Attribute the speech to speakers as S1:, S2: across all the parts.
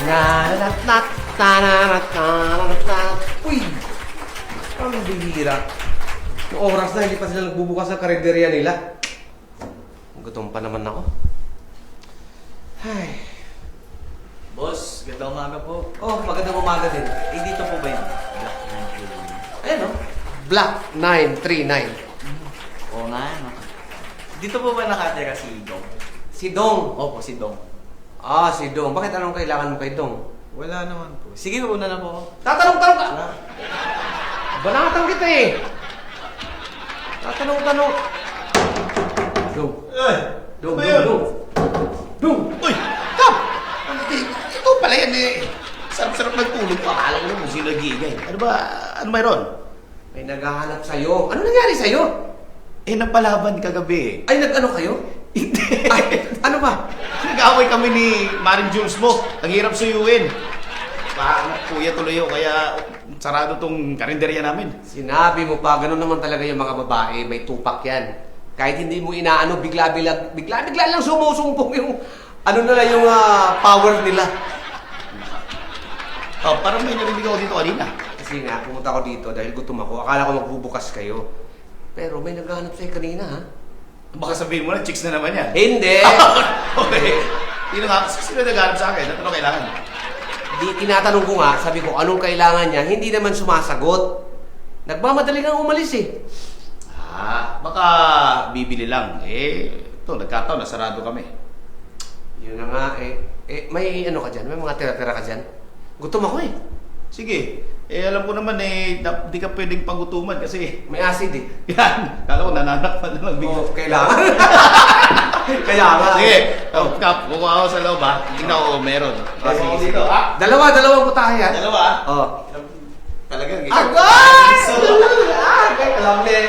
S1: Nanatat, tananatat. Uy! Ang bihira. Yung oras na, hindi pa sila nagbubukas ng karinderya nila. Gutom pa naman ako. Ay.
S2: Boss, gandang umaga po.
S1: Oh, magandang umaga din.
S2: Eh, dito po ba yun?
S1: Ayan o. Black 939.
S2: Oo nga, ano. Dito po ba nakatira si Dong?
S1: Si Dong.
S2: Opo, si Dong.
S1: Ah, si Dong. Bakit anong kailangan mo kay Dong?
S2: Wala naman po. Sige po na po ako.
S1: Tatanong-tanong ka! Banatan kita eh! Tatanong-tanong. Dong. Dong,
S3: Ano
S1: Dong,
S3: yun?
S1: Dong. Dong!
S3: Uy! Kap! Ito pala yan eh. Sarap-sarap nagtulog pa. Akala ko naman sino nag-iigay. Ano ba? Ano mayroon?
S1: May naghahanap sa'yo. Ano nangyari sa'yo?
S3: Eh, napalaban kagabi
S1: Ay, nag-ano kayo?
S3: Hindi.
S1: Ay, ano ba?
S3: Nag-away kami ni Maring Jules mo. Ang hirap suyuin. Kuya tuloy yun, kaya sarado tong karinderya namin.
S1: Sinabi mo pa, ganun naman talaga yung mga babae. May tupak yan. Kahit hindi mo inaano, bigla-bigla lang sumusumpong yung ano na lang yung power nila.
S3: Oh, parang may narinig ako dito kanina.
S1: Kasi nga, pumunta ako dito dahil gutom ako. Akala ko magbubukas kayo. Pero may naghahanap sa'yo kanina, ha?
S3: Baka sabihin mo na, chicks na naman yan.
S1: Hindi!
S3: Okay. Sino nag-hanap sa akin? Ano kailangan?
S1: Tinatanong ko nga, sabi ko, anong kailangan niya? Hindi naman sumasagot. Nagmamadali kang umalis eh.
S3: Baka bibili lang. Ito, nagkataon, nasarado kami.
S1: Yun na nga may ano ka dyan? May mga tira-tira ka dyan? Gutom ako eh.
S3: Sige. Alam ko naman di ka pwedeng pagutuman kasi
S1: May acid eh.
S3: yan. Kala ko nananakpan na lang bigla.
S1: Oh, kailangan. Kaya nga.
S3: Sige. Kap, kukuha ako sa loob ha. Tingnan ko, meron.
S1: Sige,
S3: Ako
S1: sige.
S3: dito ha.
S1: Dalawang putahe yan.
S3: Dalawa ha.
S1: Oh.
S3: Talagang
S1: Agay! Alam niya.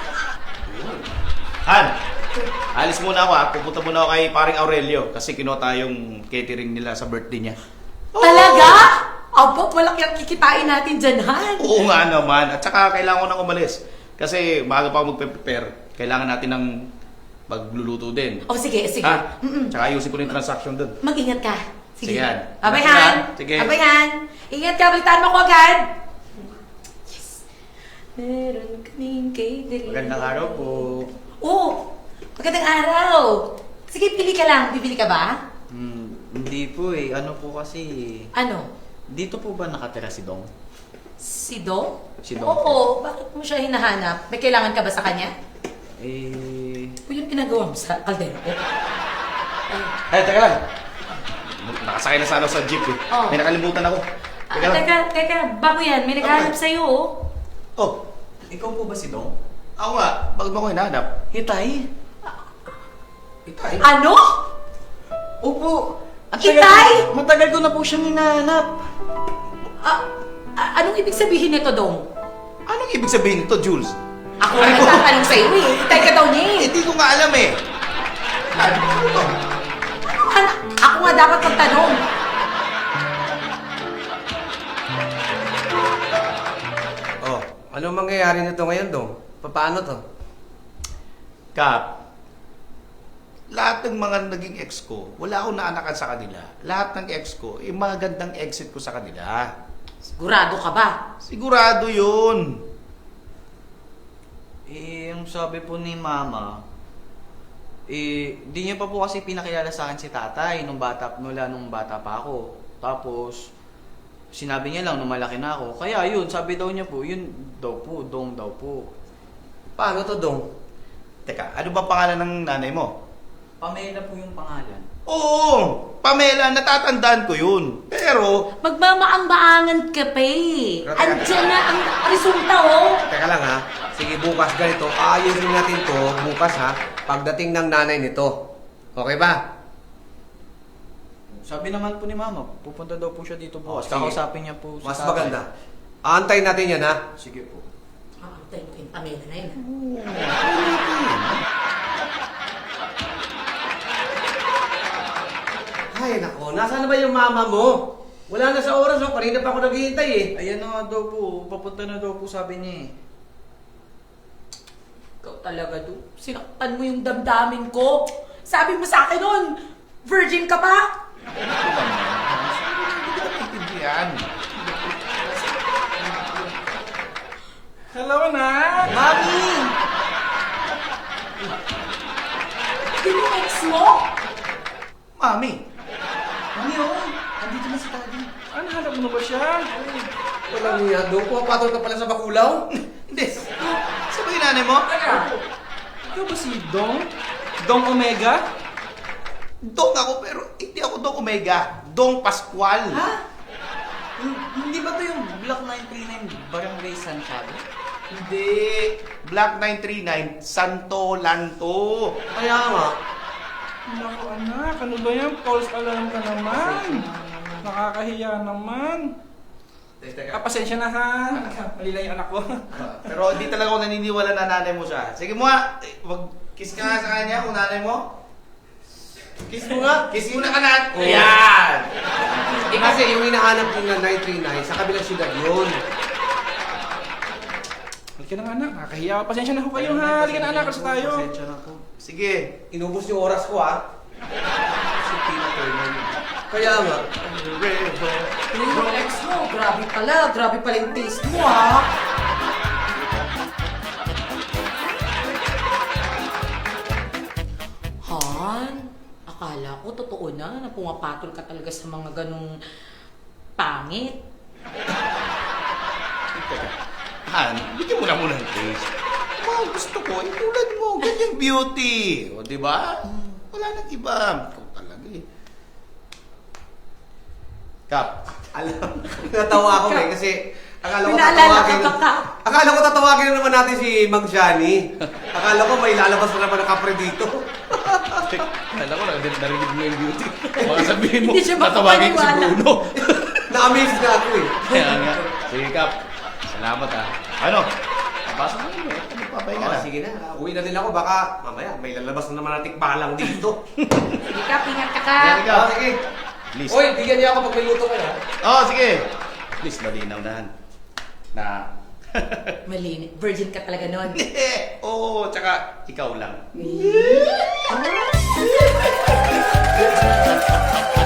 S3: Han, alis muna ako ha. Pupunta muna ako kay paring Aurelio kasi kinuha tayong catering nila sa birthday niya.
S4: Talaga? Abo, malaki ang kikitain natin dyan, Han.
S3: Oo nga naman. At saka kailangan ko nang umalis. Kasi bago pa ako magpe-prepare, kailangan natin ng magluluto din.
S4: Oh, sige, sige.
S3: Ha? Tsaka ayusin ko na yung transaction doon.
S4: Mag-ingat ka. Sige.
S3: Sige, Han.
S4: Abay,
S3: Ingat ka,
S4: Han.
S3: sige.
S4: Abay, Han. Ingat ka, balitaan mo ko agad. Yes. Meron kaming catering.
S2: Magandang araw po.
S4: Oo. Magandang araw. Sige, pili ka lang. Bibili ka ba?
S2: Hindi po eh. Ano po kasi...
S4: Ano?
S2: Dito po ba nakatira si Dong?
S4: Si Dong?
S2: Si Dong.
S4: Oo. Bakit mo siya hinahanap? May kailangan ka ba sa kanya? O yung ginagawa mo sa kaldero ko?
S3: Teka lang. Nakasakay na sana ako sa jeep eh.
S4: Oh.
S3: May nakalimutan ako. Teka lang.
S4: Teka. Bago yan. May naghahanap sa'yo, oh.
S3: Oh,
S2: Ikaw po ba si Dong?
S3: ako nga. Bakit mo ako hinahanap?
S2: Hitay?
S1: Itay.
S4: Ano?
S2: Opo.
S4: Hitay?
S2: Matagal ko na po siyang hinahanap.
S4: Anong ibig sabihin nito, Dong?
S3: Anong ibig sabihin nito, Jules?
S4: Ako ang nagtatanong sa'yo, eh. Hitay ka daw niya, eh.
S3: Hindi ko nga alam eh. Ano to?
S4: Ako nga dapat magtanong.
S1: Oh, ano mangyayari nito ngayon, Dong? Paano to?
S3: Kap, lahat ng mga naging ex ko, wala akong naanakan sa kanila. Lahat ng ex ko, magandang exit ko sa kanila.
S4: Sigurado ka ba?
S3: Sigurado yun.
S2: Yung sabi po ni Mama, di niya pa po kasi pinakilala sa akin si tatay nung bata pa ako. Tapos, sinabi niya lang nung malaki na ako. Kaya yun, sabi daw niya po, yun daw po, Dong daw po.
S1: Paano to, Dong?
S3: Teka, ano ba pangalan ng nanay mo?
S2: Pamela po yung pangalan.
S3: Oo, Pamela, natatandaan ko yun. Pero,
S4: Magmamaang-maangan ka pa, eh.
S1: Teka.
S4: Andiyan na ang resulta, oh.
S1: Teka lang ha. Sige, bukas ganito. Ayusin natin to bukas ha. Pagdating ng nanay nito. Okay ba?
S2: Sabi naman po ni Mama, pupunta daw po siya dito bukas.
S1: sige.
S2: Kakausapin niya po si
S1: Mas
S2: tatay.
S1: maganda. Aantayin natin yan ha.
S2: Sige po.
S4: Tayo mo yung Pamela na yun,
S1: Ay, nako. Nasaan na ba yung mama mo? Wala na sa oras, oh. Kanina pa ako naghihintay eh.
S2: Ayan na nga daw po, papunta na daw po sabi niya eh.
S4: Ikaw talaga, do. Sinaktan mo yung damdamin ko. Sabi mo sa akin nun, virgin ka pa?
S2: Hindi ko
S3: yan.
S5: Hello, anak!
S2: Mami!
S4: Yung ex mo?
S3: Mami,
S2: Mami, oh! Andito na si Daddy.
S5: Ano, hanap mo ba siya?
S1: Walang niya. Doon, pumapatol ka pala sa bakulaw.
S3: hindi. Sabi yung nanay mo?
S5: Teka! Ikaw ba si Dong? Dong Omega?
S3: Dong ako, pero hindi ako Dong Omega. Dong Pascual.
S2: Ha? Hindi ba to yung Block 939 Barangay Santiago?
S3: Hindi. Black 939, Santo Lanto.
S1: Kaya nga.
S5: Naku anak, ano ba yan? False alarm ka naman. Nakakahiya naman. Pasensya na ha. Mali lang yung anak ko.
S3: Pero hindi talaga ako naniniwala na nanay mo siya. Sige mo nga, kiss ka nga sa kanya kung nanay mo. Kiss mo nga. Kiss mo na ka na.
S1: Oo.
S3: Ayan!
S1: Eh kasi yung hinahanap yung na 939, sa kabilang syudad yun.
S5: Halika na nga anak, nakakahiya. Pasensya na ho kayo ha. Halika na anak, kasi tayo.
S2: Pasensya na po.
S3: Sige.
S1: Inubos yung oras ko ah.
S2: Si Tina Turner.
S1: Kaya nga.
S4: Yung ex mo, grabe pala. Grabe pala yung taste mo, ha? Han, akala ko totoo na pumapatol ka talaga sa mga ganong pangit.
S3: Teka. Han, bigyan mo na muna ng taste. Mga gusto ko, tulad mo, ganyang beauty. O, di ba? Wala nang iba. Ikaw talaga eh. Kap.
S1: Alam, natawa ako eh kasi akala ko
S4: Pinaalala
S1: tatawagin.
S4: ka ba, Kap?
S1: Akala ko tatawagin na naman natin si Mang Johnny. Akala ko may lalabas na naman ng kapre dito.
S3: Kala ko, narinig mo yung beauty. Baka sabihin mo,
S4: Hindi siya
S3: tatawagin ko si
S4: makapaniwala.
S3: Bruno.
S1: Na-amaze na ako eh.
S3: Kaya nga. Sige, Kap. Salamat ha. Ano? Papasok mo yun eh. Ano papahinga na?
S1: Sige na, uwi na din ako. Baka mamaya may lalabas na naman ng tikbalang dito.
S4: Sige ka, pingat ka ka.
S3: Sige, Kap.
S1: Sige.
S3: Please.
S1: Oy, bigyan niya ako pag may luto ka na.
S3: Oh, sige. Please, malinaw na. Na.
S4: Mali, virgin ka talaga nun.
S3: Oo, tsaka ikaw lang.
S4: Ah.